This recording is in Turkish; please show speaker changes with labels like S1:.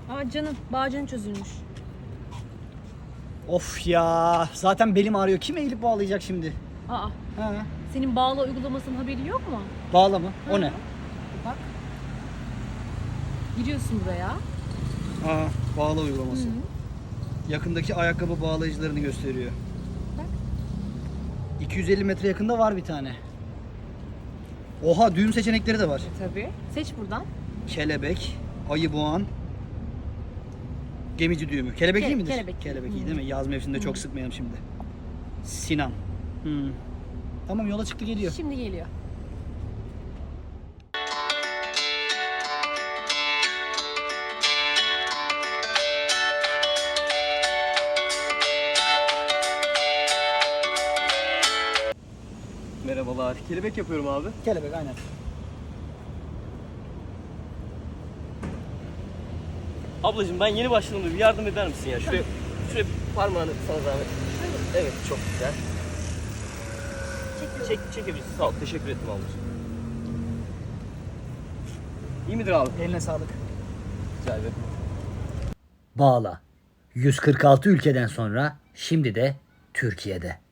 S1: Aa canım, bağcın çözülmüş.
S2: Of ya, zaten belim ağrıyor. Kim eğilip bağlayacak şimdi?
S1: Aa,
S2: Ha,
S1: senin bağla uygulamasının haberi yok mu?
S2: bağla mı? O ne?
S1: Bak. Giriyorsun buraya.
S2: Aa, bağla uygulaması.
S1: Hı.
S2: Yakındaki ayakkabı bağlayıcılarını gösteriyor.
S1: Bak.
S2: 250 metre yakında var bir tane. Oha, düğüm seçenekleri de var.
S1: Tabii. Seç buradan.
S2: Kelebek, ayı boğan, gemici düğümü. Kelebek iyi midir?
S1: kelebek.
S2: Kelebek iyi
S1: Hı.
S2: değil mi? Yaz mevsiminde çok sıkmayalım şimdi. Sinan. Hmm. Tamam, yola çıktı, geliyor.
S1: Şimdi geliyor.
S3: Merhabalar. Kelebek yapıyorum abi.
S2: Kelebek aynen.
S3: Ablacığım ben yeni başladım da bir yardım eder misin ya? Şuraya parmağını sana zahmet. Evet çok güzel. Çekebilirsin. Sağ ol. Teşekkür ettim ablacığım. İyi midir abi?
S2: Eline sağlık.
S3: Rica ederim.
S2: Bağla. 146 ülkeden sonra şimdi de Türkiye'de.